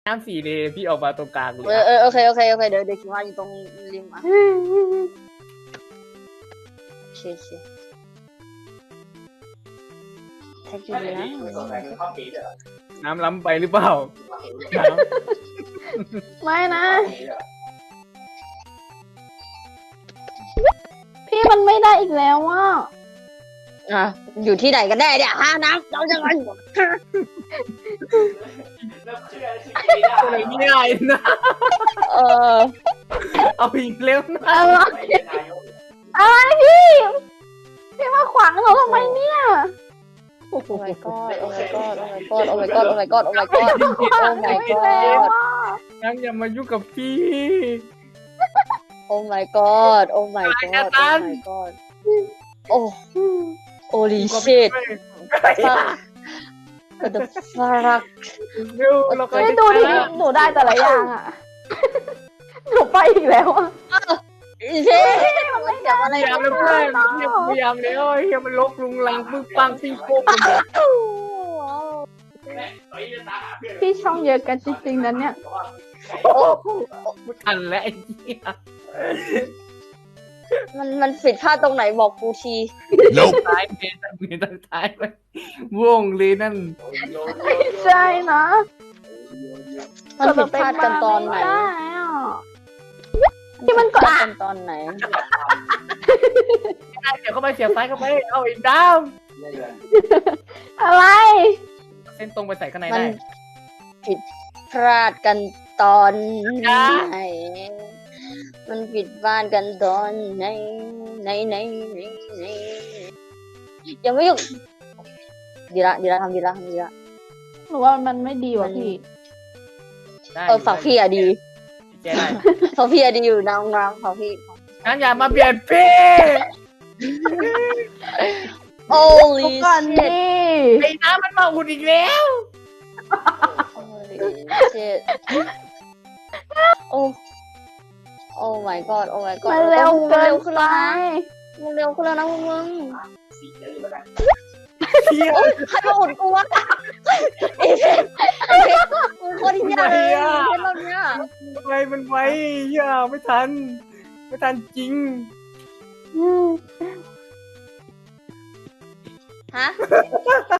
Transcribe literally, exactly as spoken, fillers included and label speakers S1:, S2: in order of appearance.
S1: น้ำสีเลยพี่ออกมาตรงกลางเลย
S2: เออเออโอเคโอเคโอเคเดี๋ยวเดี๋ยวคิดว่าอยู่ตรงริมอ่ะโอเคโอเคแท็กอยู่นะ
S1: น้ำล้ำไปหรือเปล่าน้
S3: ไม่นะ พี่มันไม่ได้อีกแล้วอ่ะ
S2: อ่ะอยู่ที่ไหนกันแน่เนี่ยฮะน้ำเราจะไง
S1: ำอะไรไม่ได้นะ
S2: เออ
S1: เอาอีกแล้วนะ
S3: อะไรอะไรพี่ พี่มาขวางเราทำไมเนี่ย
S2: โอ้ my god โอ้ my god โอ้ my god โอ้ my god โอ้ my god โอ้ my god โอ้ my
S3: ไม่แล้ว
S2: god
S3: อ่ะ
S1: น้ำอย่ามายุ่งกับพี่
S2: โอ้ my god โอ้ my god โอ้ my god โอ้ holy shit what the fuck
S1: เร็วเราก็
S3: ไม่
S1: จะ
S3: ดูดิหนูได้แต่ละอย่างอ่ะ หนูไปอีกแล้วอ่ะ
S2: อีเช่มันจับอะไร
S1: พยายามแล้วเพื่อนพยายามแล้วไอ้เฮียมันลกลุงลังปึ๊งปังปิ้งโป๊ก
S3: พี่ช่องเยอะกันจริงๆนั้นเนี่ย
S1: ไม่ทันแล้วไอ้เหี้ย
S2: มันมันผิดพลาดตรงไหนบอกกูที
S1: ท้ายเมนตั้งเมนตั้งท้ายไปวงเลยนั่น
S3: ไม่ใช่นะ
S2: มันผิดพลาดกันตอนไหน
S3: ม่ด้อ่ะ ที่มันกด
S2: ผิดพลากันตอนไหน
S1: เสียบเข้าไปเสียบซ้ายเข้าไปเอาอีกดาว
S3: อะไร
S1: เส้นตรงไปใส่ข้างใน
S2: มัน
S1: ได้
S2: ผิดพลาดกันตอนไหน มันผิดพลาดกันตอนไหนไหนไหนไหนไหนยังไม่หยุดดีละดีละทำดีละทำดีละ
S3: หนูว่ามันไม่ดีว่ะพี่
S1: ได้
S2: เออฝากพี่อะดี
S1: แจ้ได้
S2: ฝากพี่อะดีอยู่น้ำน้ำฝากพี่
S1: งั้นอย่ามาเบียดพี่
S2: โอ้
S3: ทุ
S2: ลิ
S3: กคนดิ
S1: ไอ้น้ำมันมาอุดอีกแล้ว
S2: เชิตโอ้โอ้ my god โอ้ my god
S3: มันเร็วเกิน
S2: ขึ้น
S3: ไป
S2: แล้วนะมึงเร็วขึ้นแล้วนะมึงมึง
S1: เฮีย
S2: โอ้ยใครมาอุดกูวะไอ้เพชรไอ้เพชรมึงโคตรยากเลยเพชรรอบเนี้ย
S1: มันไวมันไวเฮียไม่ทัน ไม่ทันจริง
S2: ฮะ